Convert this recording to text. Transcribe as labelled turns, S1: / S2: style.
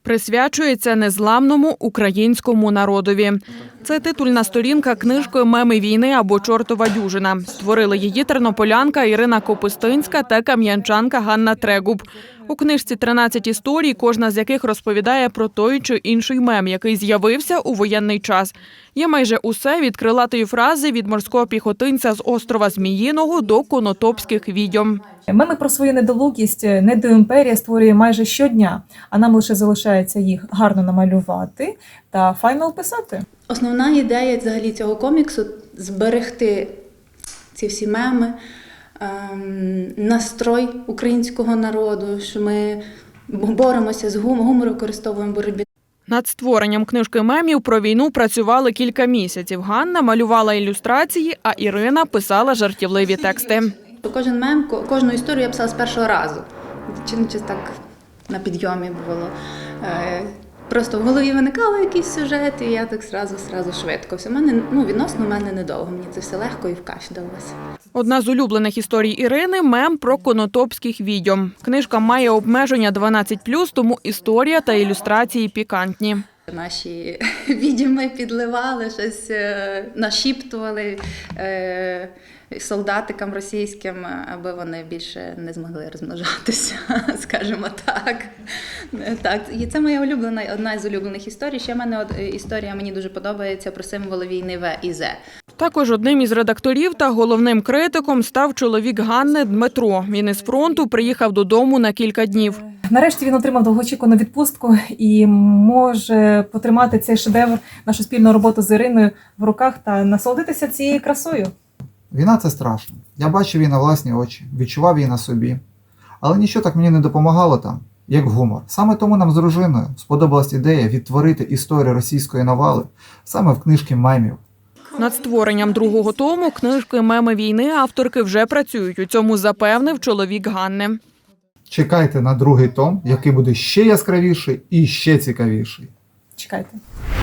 S1: Присвячується незламному українському народові. Це титульна сторінка книжки «Меми війни» або «Чортова дюжина». Створили її тернополянка Ірина Копустинська та кам'янчанка Ганна Трегуб. У книжці 13 історій, кожна з яких розповідає про той чи інший мем, який з'явився у воєнний час. Є майже усе від крилатої фрази від морського піхотинця з острова Зміїного до конотопських відьом.
S2: Меми про свою недолугість недоімперія створює майже щодня, а нам лише залишається їх гарно намалювати та файно описати.
S3: Основна ідея взагалі цього коміксу – зберегти ці всі меми, настрой українського народу, що ми боремося з гумором, використовуємо в боротьбі.
S1: Над створенням книжки мемів про війну працювали кілька місяців. Ганна малювала ілюстрації, а Ірина писала жартівливі тексти.
S3: Кожен мем, кожну історію я писала з першого разу. Чи так на підйомі було. Просто в голові виникали якісь сюжети, і я так зразу швидко. Все відносно в мене недовго. Мені це все легко і в кайф далося.
S1: Одна з улюблених історій Ірини – мем про конотопських відьом. Книжка має обмеження 12+, тому історія та ілюстрації пікантні.
S3: Наші відьми підливали, щось нашіптували солдатикам російським, аби вони більше не змогли розмножатися, скажімо так. І це моя одна з улюблених історій. Ще в мене історія мені дуже подобається про символи війни В і З.
S1: Також одним із редакторів та головним критиком став чоловік Ганни Дмитро. Він із фронту приїхав додому на кілька днів.
S2: Нарешті він отримав довгоочікувану відпустку і може потримати цей шедевр, нашу спільну роботу з Іриною в руках та насолодитися цією красою.
S4: Війна – це страшно. Я бачив її на власні очі, відчував її на собі. Але нічого так мені не допомагало там, як гумор. Саме тому нам з дружиною сподобалась ідея відтворити історію російської навали саме в книжці мемів.
S1: Над створенням другого тому книжки «Меми війни» авторки вже працюють. У цьому запевнив чоловік Ганни.
S4: Чекайте на другий том, який буде ще яскравіший і ще цікавіший.
S2: Чекайте.